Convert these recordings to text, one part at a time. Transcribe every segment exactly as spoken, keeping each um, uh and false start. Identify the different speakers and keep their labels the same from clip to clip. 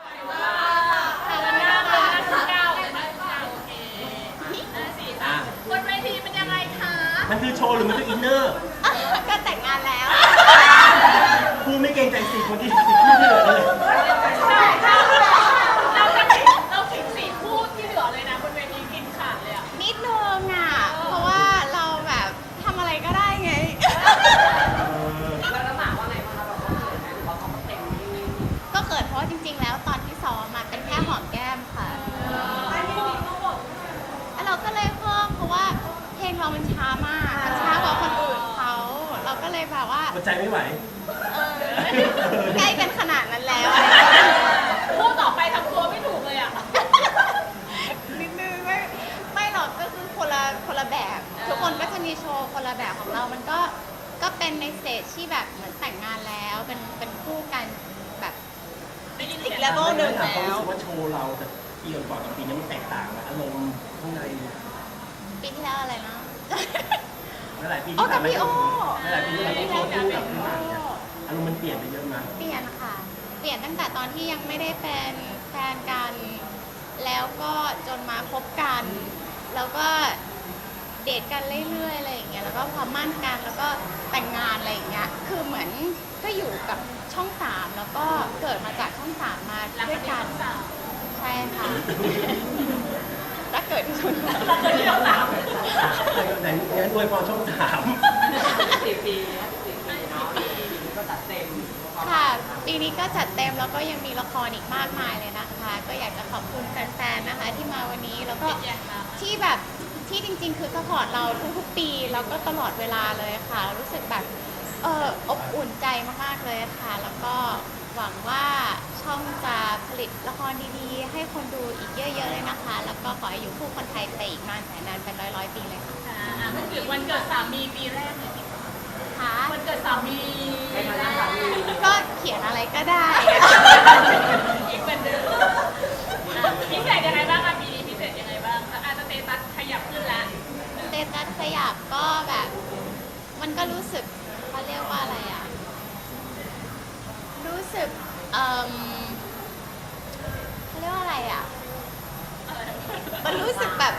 Speaker 1: ค่ะวันหน้าเป็นหน้าสิบเก้าเลยนะโอเคหน้าสี่ค่ะบนเวทีเป็นยังไงคะ
Speaker 2: มันคือโชว์หรือมันคืออินเนอร์
Speaker 3: ก็แต่งงานแล้ว
Speaker 2: พูดไม่เกรงใจสี่คนที่สี่คู่ที่เหลือเลย
Speaker 1: ใช่ค่ะเราจะขิงเราขิงสี่คู่ที่เหลือเลยนะบนเวทีกินขาดเลยอ่ะ
Speaker 3: นิดนึงอ่ะ เพราะว่าเราแบบทำอะไรก็ได้ไง
Speaker 4: แล้วแล้วหมาว่าไงบ้างคะแบบว่าเขินไหมหรือว่าเขาก็เต็มที่
Speaker 3: ก็เกิดเพราะว่าจริงๆ แล้วตอนที่ซ้อมมาเป็นแค่หอมแก้มค่ะแล้วเราก็เลยเพิ่มเพราะว่าเพลงเรามันช้ามากมันช้ากว่าคนอื่นเขาเราก็เลยแบบว่า
Speaker 2: หัวใจไม่ไหว
Speaker 3: เออใกล้กันขนาดนั้นแล้ว
Speaker 1: คู่ต่อไปทำตัวไม่ถูกเลยอ่ะ
Speaker 3: นิดนึงไม่ไม่หรอกก็คือคนละคนละแบบ ทุกคนก็จะมีโชว์คนละแบบของเรา มันก็ก็เป็นในสเตจที่แบบเหมือนแต่งงานแล้วเป็นเป็นคู่กันแบบ
Speaker 1: ได้ยิน
Speaker 3: อี
Speaker 1: เสีย
Speaker 3: ก
Speaker 1: ง
Speaker 3: เลเวลหนึ่ง
Speaker 2: ถามความ
Speaker 3: แล้ว
Speaker 2: รู้สึกว่าโชว์เราแต่ปีก่อนกับปีนี้มันแตกต่างอะอารมณ์ข้างใน
Speaker 3: ปีที่แล้วอะไรนะ
Speaker 2: หลายๆปี
Speaker 3: อ๋อ
Speaker 2: ที่ผ่านมา
Speaker 3: กับพี่โอ้
Speaker 2: หลายๆปีที่เราต้องโชว์คู่กับพี่หมากเนี่ยอารมณ์มันเปลี่ยนไปเยอะมาก
Speaker 3: เปลี่ยนค่ะ เปลี่ยนตั้งแต่ตอนที่ยังไม่ได้เป็นแฟนกัน แล้วก็จนมาคบกัน แล้วก็เดทกันเรื่อยๆอะไรอย่างเงี้ย แล้วก็พอมั่นกันแล้วก็แต่งงานอะไรอย่างเงี้ย คือเหมือนก็อยู่กับช่องสามแล้วก็เกิดมาจากช่องสามมาด้วยกัน ใช่ค่ะ ถ้าเกิดที่ช่องสาม
Speaker 2: ไหนงั้นอวยพรช่องสาม
Speaker 4: สี่ปีสี่ปีเนาะปีนี้ก็จัดเต็ม
Speaker 3: ค่ะปีนี้ก็จัดเต็มแล้วก็ยังมีละครอีกมากมายเลยนะคะ ก็อยากจะขอบคุณแฟนๆนะคะที่มาวันนี้แล้วก็ที่แบบที่จริงๆ คือสปอร์ตเราทุกๆปีแล้วก็ตลอดเวลาเลยค่ะ รู้สึกแบบเอออบอุ่นใจมากๆเลยค่ะ แล้วก็หวังว่าช่องจะผลิตละครดีๆ ให้คนดูอีกเยอะๆเลยนะคะ แล้วก็ขอให้อยู่คู่คนไทยไปอีกนานแสนนานเป็นร้อยๆปีเลยค่ะ
Speaker 1: อ่ามันคือวันเกิดสามีปีแรกเลยสิ
Speaker 3: ค่ะ
Speaker 1: วันเกิดสามี
Speaker 4: ให้มานั่งสามี
Speaker 3: ก็เขียนอะไรก็ได้
Speaker 1: อีกเหมือนเดิมอ่ะพิเศษยังไงบ้างอ่ะปีนี้พิเศษยังไงบ้างอาจจะสเตตัสขยับขึ้นแล้ว
Speaker 3: สเตตัสขยับก็แบบ มันก็รู้สึกเขาเรียกว่าอะไรอ่ะ รู้สึกเอ่มเขาเรียกว่าอะไรอ่ะ มันรู้สึกแบบ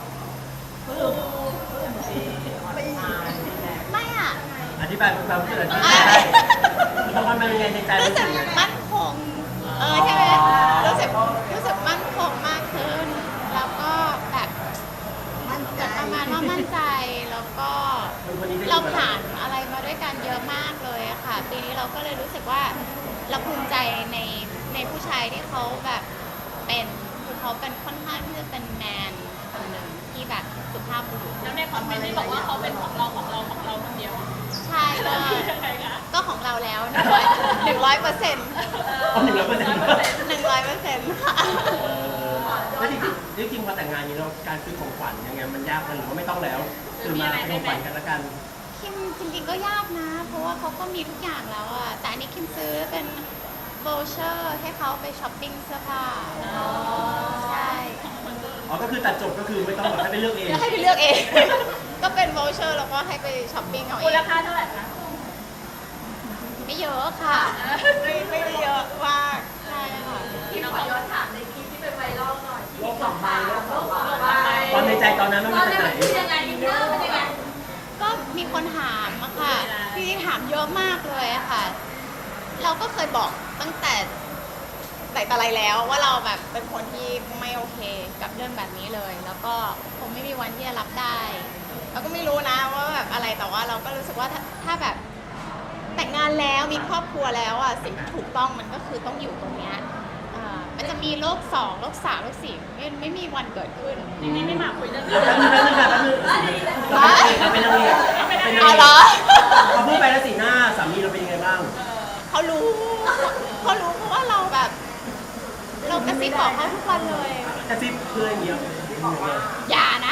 Speaker 3: ไม่อ่ะ
Speaker 2: อธิบายความรู้สึกอธิ
Speaker 3: อ่ะ
Speaker 2: บายละครมันเป็นไงในใจ
Speaker 3: รู้
Speaker 2: รู้
Speaker 3: สึ
Speaker 2: สึ
Speaker 3: ก
Speaker 2: กยังไง
Speaker 3: มั่นคง เออใช่ไหมรู้สึกรู้สึกมั่นคงมากขึ้น แล้วก็แบบประมาณว่ามั่นใจ แล้วก็
Speaker 2: วันนี้ได้
Speaker 3: เรา
Speaker 2: อยู่กับ
Speaker 3: ผ่านอะไรมาด้วยกันเยอะมากเลยอะค่ะ ปีนี้เราก็เลยรู้สึกว่าเราภูมิใจในในผู้ชายที่เขาแบบเป็นคือเขาเป็นค่อนข้างที่จะเป็นแมนคนหนึ่งที่แบบสุภาพบุรุษ
Speaker 1: แล้วในคอมเมนต์ที่บอกว่าเขาเป็นของเราของเราของเราคนเดียว
Speaker 3: ใช่ก็
Speaker 1: ยังไงคะ
Speaker 3: ก็ของเราแล้วหนึ่งร้อยหนึ่งร้อยเปอร์เซ็นต์
Speaker 2: อ๋อหนึ่งร้อยเปอร์เซ็นต์
Speaker 3: หนึ่งร้อยเปอร์เซ็นต์ค่ะ
Speaker 2: แล้วจริงๆจริงๆพอแต่งงานนี้เราการซื้อของขวัญยังไงมันยากมันหรือว่าไม่ต้องแล้วคือมาเป็นของขวัญกันละกัน
Speaker 3: คิมจริงๆก็ยากนะ เพราะว่าเขาก็มีทุกอย่างแล้วอะแต่อันนี้คิมซื้อเป็นโบเชอร์ให้เขาไปช้อปปิ้งเสื้อผ้าใช่
Speaker 2: อ๋อก็คือตัดจบก็คือไม่ต้องแบบให้ไปเลือกเอง
Speaker 3: ก็ให้ไปเลือกเอง ก็เป็นโบเชอร์แล้วก็ให้ไปช้อปปิ้งเอาเอ
Speaker 1: มูล
Speaker 3: ง
Speaker 1: ค่าเท่าไหร่คะ
Speaker 3: ไม่เยอะค่ะ ไม่ไม่ได้เยอะมากใช่ค่ะ
Speaker 4: ที่ขอย้อนถามในคลิปที่เป็นไวรัลหน่อยที่สองใบแล้วสองใบ
Speaker 2: ตอนในใจตอนนั้นมัน
Speaker 4: ต
Speaker 2: มา
Speaker 4: อน
Speaker 2: จาก
Speaker 4: นั้น
Speaker 2: ไหน
Speaker 4: มันคือยังไงอินเนอร์มันยังไง
Speaker 3: ก็มีคนถามอะค่ะจริงๆถามเยอะมากเลยอะค่ะ เราก็เคยบอกตั้งแต่แต่แต่ไรแล้วว่าเราแบบเป็นคนที่ไม่โอเคกับเรื่องแบบนี้เลย แล้วก็คงไม่มีวันที่จะรับได้ เราก็ไม่รู้นะว่าแบบอะไรแต่ว่าเราก็รู้สึกว่าถ้าถ้าแบบแต่งงานแล้วมีครอบครัวแล้วอ่ะสิ่งที่ถูกต้องมันก็คือต้องอยู่ตรงเนี้ยอ่ามันจะมีโลกสองโลกสามโลกสี่ไม่ไม่มีวันเกิดขึ้น
Speaker 1: จริงๆไม่มาคุยเรื่อง
Speaker 2: แป๊บนึงแป๊บนึงแป๊บนึงเราเป็นนางเอกเราเป็นนางเอก
Speaker 3: เอาเหรอ
Speaker 2: เขาพูดไปแล้วสีหน้าสามีเราเป็นยังไงบ้าง
Speaker 3: เขารู้เขารู้เพราะว่าเราแบบ เรากระซิบบอกเขาทุกวันเลย
Speaker 2: กระซิบเพื่อนอย่างเงี้ย
Speaker 3: อย่านะ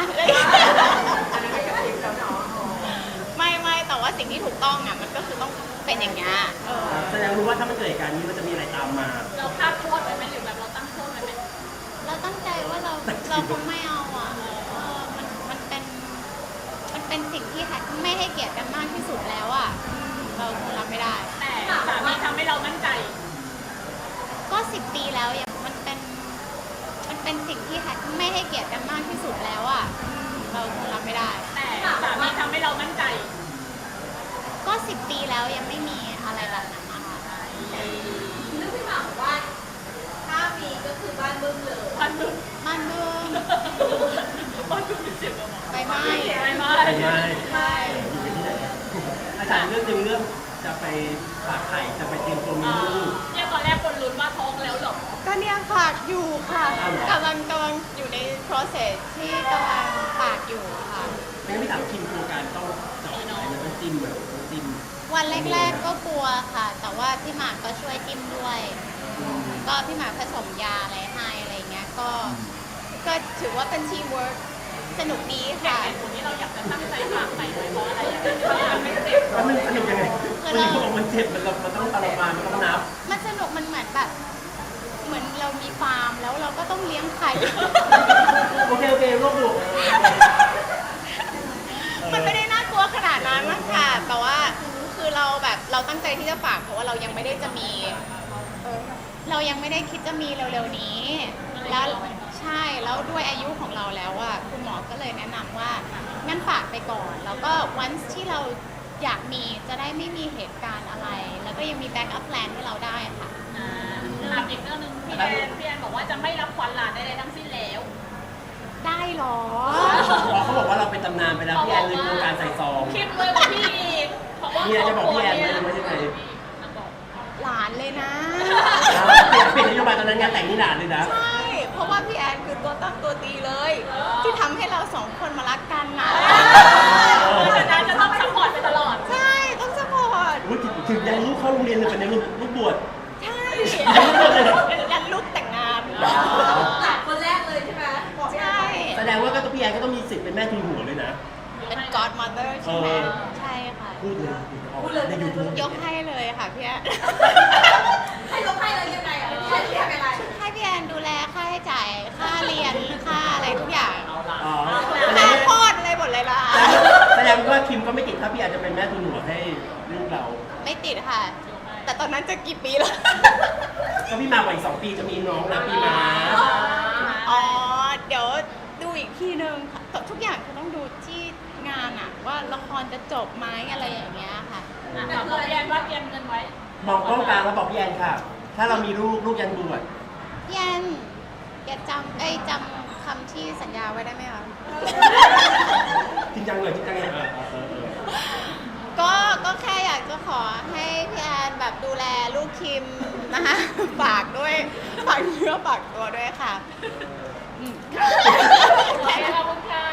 Speaker 3: ไม่ไม่แต่ว่าสิ่งที่ถูกต้องอ่ะมันก็คือต้องเป็นอย่างเงี้ยเออ
Speaker 2: แสดงรู้ว่าถ้ามันเกิดเหตุการณ์นี้มันจะมีอะไรตามมา
Speaker 1: เราคาดโทษไว้ไหมหรือแบบเราตั้งโทษไว้ไหม
Speaker 3: เราตั้งใจว่าเราเราคงไม่เอาอ่ะเออมันมันเป็นมันเป็นสิ่งที่ไม่ให้เกียรติกันมากที่สุดแล้วอ่ะอืมเราคงรับไม่ได้
Speaker 1: แต่สามีทำให้เรามั่นใจ
Speaker 3: ก็สิบปีแล้วยังมันเป็นมันเป็นสิ่งที่ไม่ให้เกียรติกันมากที่สุดแล้วอ่ะเราคงรับไม่ได้
Speaker 1: แต่สามีทำให้เรามั่นใจ
Speaker 3: ก็สิบปีแล้วยังไม่มีอะไรแบบนั้นนะคะ
Speaker 4: นึกพี่หมากบอกว่าถ้ามีก็คือบ้านบึ้มเลย
Speaker 1: พันดุ
Speaker 3: มันเบิ่ม
Speaker 1: พันดุเจ็บกับหมอ
Speaker 3: ไปไหม้
Speaker 1: ไม่ไม่
Speaker 2: ไปไหม
Speaker 3: ใช่
Speaker 2: อยู่ที่ไหนอาจารย์เรื่องหนึ่งเรื่องจะไปฝากไข่จะไปเตรียมตัวมีลูก
Speaker 1: เนี่ยตอนแรกคนลุ้นว่าท้องแล้วหรอ
Speaker 3: ก็เนี่ยฝากอยู่ค่ะ
Speaker 2: อ้าวเหรอ
Speaker 3: กำลังกำลังอยู่ใน process ที่กำลังฝากอยู่ค่ะ
Speaker 2: ไม่งั้นพี่ถามคิมตัวการต้องเจาะไหนมันต้องจิ้มแบบต้องจิ้ม
Speaker 3: วันแรกๆก็กลัวค่ะ แต่ว่าพี่หมากก็ช่วยจิ้มด้วย ก็พี่หมากผสมยาอะไรให้อะไรเงี้ย ก็ ก็ถือว่าเป็นทีมเวิร์กสนุกดี
Speaker 1: แต่
Speaker 3: ค่ะ
Speaker 1: เหตุผลที่เราอยากจะตั้งใจฝากไปเพราะอะไรอย่างเงี้ยเพราะมันไม่เจ็บ
Speaker 2: แล้วมันสนุกยังไงวันนี้เขาบอกมันเจ็บมันมันต้องตลบมามันต้องนับ
Speaker 3: มันสนุกมันเหมือนแบบ เหมือนเรามีฟาร์มแล้วเราก็ต้องเลี้ยงไข่
Speaker 2: โอเคโอเคโรคดุ
Speaker 3: มันไม่ได้น่ากลัวขนาดนั้นมั้งค่ะ แต่ว่าคือเราแบบเราตั้งใจที่จะฝากเพราะว่าเรายังไม่ได้จะมีเออเรายังไม่ได้คิดจะมีเร็วๆนี้ แล้วใช่แล้วด้วยอายุของเราแล้วอะคุณหมอก็เลยแนะนำว่างั้นฝากไปก่อน แล้วก็วันที่เราอยากมีจะได้ไม่มีเหตุการณ์อะไร แล้วก็ยังมีแบ็กอัพแพลนให้เราได้ค่ะ
Speaker 1: อ่าถามอีกเรื่องหนึงพี่แอนพี่แอนบอกว่าจะไม่รับขวัญหลานใดๆทั้งสิ้นแล้ว
Speaker 3: ได้เหรอ
Speaker 2: เขาบอกว่าเราเป็นตำนานไปแล้วพี่แอนเลยโครงการใส่ซอง
Speaker 1: คิดเลยกว่าพี่อีกเพราะว่า
Speaker 2: พี่แอนจะบอกพี่แอนเลยไม่ใช่ไง
Speaker 3: หลานเลยนะ
Speaker 2: เปลี่ยนนโยบายตอนนั้นงานแต่งนี่หลานเลยนะ
Speaker 3: ใช่ เพราะว่าพี่แอนคือตัวตั้งตัวตีเลย ที่ทำให้เราสองคนมารักกันนะ
Speaker 1: เพราะฉะนั้นจะต้องซัพพอร์ตไปตลอด
Speaker 3: ใช่ ต้องสปอร์ต
Speaker 2: อุ๊ยถึงยันลูกเข้าโรงเรียนเลยเป็นในลูกลูกบวช
Speaker 3: ใช่
Speaker 2: ยัน
Speaker 3: ยันลูกแต่งงาน
Speaker 4: หลานคนแรกเลยใช่ไหมบอกพี่แอ
Speaker 3: ใช่
Speaker 4: น
Speaker 2: แสดงว่าก็ต้องพี่แอนก็ต้องมีสิทธิ์เป็นแม่ทุนหัวเลยนะ
Speaker 3: เป็น godmother ใช่ไหม
Speaker 2: เออ
Speaker 3: ใช่ค่ะ
Speaker 2: พูดเลยในยูทูบ
Speaker 3: ยกให้เลยค่ะพี่แอน
Speaker 4: ให้ยกให้เลยยังไงอ่ะพี่แอนพี่แอนเป็นไร
Speaker 3: ให้พี่แอนดูแลค่าใช้จ่าย ค่าเรียน ค่าอะไรทุกอย่าง
Speaker 2: อ๋อแสด
Speaker 3: ค่าง
Speaker 2: ว่า
Speaker 3: โคตรอะไรหมดเลยล่ะ
Speaker 2: แสดงว่าคิมก็ไม่ติดถ้าพี่แอนจะเป็นแม่ทุนหัวให้ลูกเรา
Speaker 3: ไม่ติดค่ะ แต่ตอนนั้นจะกี่ปีแล้ว
Speaker 2: ก็พี่มาวัยสองปีจะมีน้องนะพี่มา
Speaker 3: อ๋อ เดี๋ยวดูอีกทีนึงค่ะแต่ทุกอย่างคือต้องดูที่งานอะว่าละครจะจบไหมอะไรอย่างเงี้ยค่ะ
Speaker 1: ถามพี่แอนว่าเตรียมเงินไว้
Speaker 2: มองกล้องกลางแล้วบอกพี่แอนค่ะ ถ้าเรามีลูกลูกยันบวช
Speaker 3: พี่แอนอย่าจำเอ้ยจำคำที่สัญญาไว้ได้ไหมคะ
Speaker 2: จริงจังเลยจริงจังเลยเออเออเออ
Speaker 3: ก็ก็แค่อยากจะขอให้พี่แอนแบบดูแลลูกคิมนะคะ ฝากด้วยฝากเนื้อฝากตัวด้วยค่ะอืม
Speaker 1: ขอบคุณค่ะ